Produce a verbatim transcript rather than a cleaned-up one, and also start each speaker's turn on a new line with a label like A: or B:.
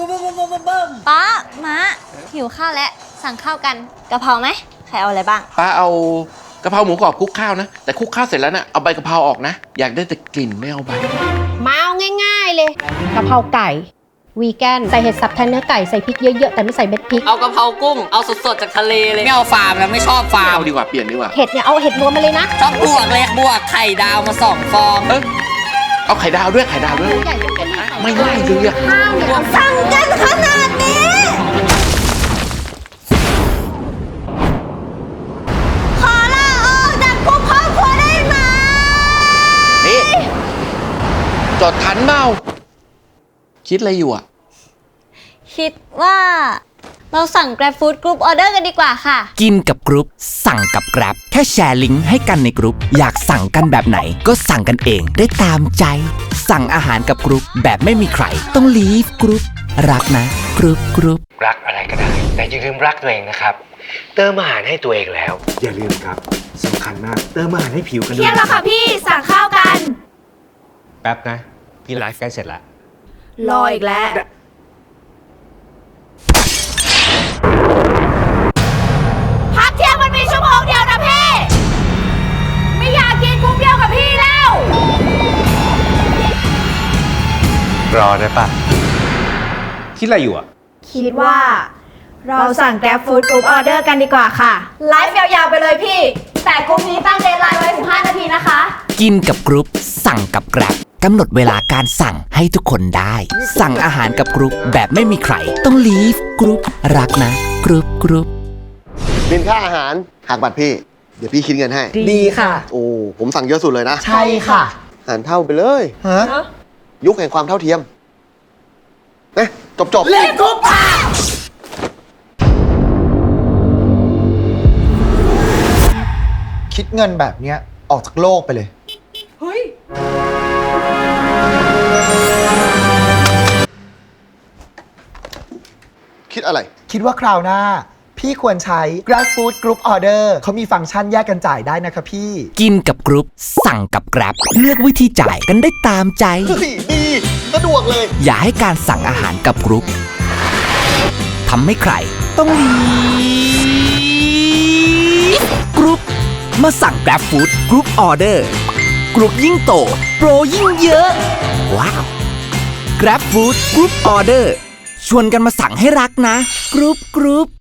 A: ป้าม้าหิวข้าวแล้วสั่งข้าวกันกะเพราไหมใครเอาอะไรบ้าง
B: ป้าเอากะเพราหมูกรอบคลุกข้าวนะแต่คลุกข้าวเสร็จแล้วนะเอาใบกะเพราออกนะอยากได้แต่กลิ่นไม่เอาใบ
C: มาเอาง่ายๆเลยกะเพราไก่วีแกนใส่เห็ดสับแทนเนื้อไก่ใส่พริกเยอะๆแต่ไม่ใส่เม็ดพริก
D: เอากะเพรากุ้งเอาสดๆจากทะเลเลยไม่เอาฟาร์มแล้วไม่ชอบฟาร์ม
B: เอาดีกว่าเปลี่ยนดีกว่า
C: เห็ดเนี่ยเอาเห็ดรวมมาเลยนะ
D: ชอบบวกเลยบวกไข่ดาวมาสองฟอง
B: เออเอาไข่ดาวด้วยไข่ดาวด้วยไม่ได้เลยอะ
C: ข้าวเนี่ย
A: สั่งกันขนาดนี้ขอลาออกจากกลุ่มครอบครัวได้ไหม
B: นี่จดทันเมาคิดอะไรอยู่อ่ะ
A: คิดว่าเราสั่ง Grab Food Group Order กันดีกว่าค่ะ
E: กินกับกรุ๊ปสั่งกับ Grab แค่แชร์ลิงก์ให้กันในกรุ๊ปอยากสั่งกันแบบไหนก็สั่งกันเองได้ตามใจสั่งอาหารกับกรุ๊ปแบบไม่มีใครต้องลีฟกรุ๊ปรักนะกรุ๊ปกรุ๊ป
F: รักอะไรก็ได้แต่อย่าลืมรักตัวเองนะครับเติมอาหารให้ตัวเองแล้ว
G: อย่าลืมครับสำคัญมากเติมอาหารให้ผิวกันด้วย
A: เที่ยงแล้วค่ะพี่สั่งข้าวกัน
G: แป๊บนะพี่ไลฟ์ใกล้เสร็จแล้ว
A: รออีกแล้วพักเที่ยงมันมีชั่วโมงเดียวนะพี่ไม่อยากกินกุ้งเดียวกับพี่แล้ว
G: รอได้ปะคิดอะไรอยู่อ่ะ
A: คิดว่าเราสั่ง Grab Food Group Order กันดีกว่าค่ะไลฟ์ยาวๆไปเลยพี่แต่กลุ่มนี้ตั้งเดดไลน์ไว้สิบห้านาทีนะคะ
E: กินกับกรุ๊ปสั่งกับ Grab กำหนดเวลาการสั่งให้ทุกคนได้สั่งอาหารกับกรุ๊ปแบบไม่มีใครต้องลีฟกรุ๊ปรักนะกรุ๊ปกรุ๊ป
H: บินค่าอาหารหักบัตรพี่เดี๋ยวพี่คิดเงินให้
C: ดีค่ะ
H: โอ้ผมสั่งเยอะสุดเลยนะ
C: ใช่ค่ะ
H: หารเท่าไปเลยฮะยุคแห่งความเท่าเทียมเอ๊ะจบจบ
C: เล่นกรุ๊ปค่ะ
I: คิดเงินแบบเนี้ยออกจากโลกไปเลย
C: เฮ้ย
H: คิดอะไร
I: คิดว่าคราวหน้าพี่ควรใช้ Grab Food Group Order เขามีฟังก์ชันแยกกันจ่ายได้นะคะพี่
E: กินกับกรุ๊ปสั่งกับ Grab เลือกวิธีจ่ายกันได้ตามใจ
H: ดีสะดวกเลย
E: อย่าให้การสั่งอาหารกับกรุ๊ปทำให้ใครต้องลีฟกรุ๊ปมาสั่ง Grab Food Group Order กรุ๊ปยิ่งโตโปรยิ่งเยอะว้าว Grab Food Group Order ชวนกันมาสั่งให้รักนะกรุ๊ปกรุ๊ป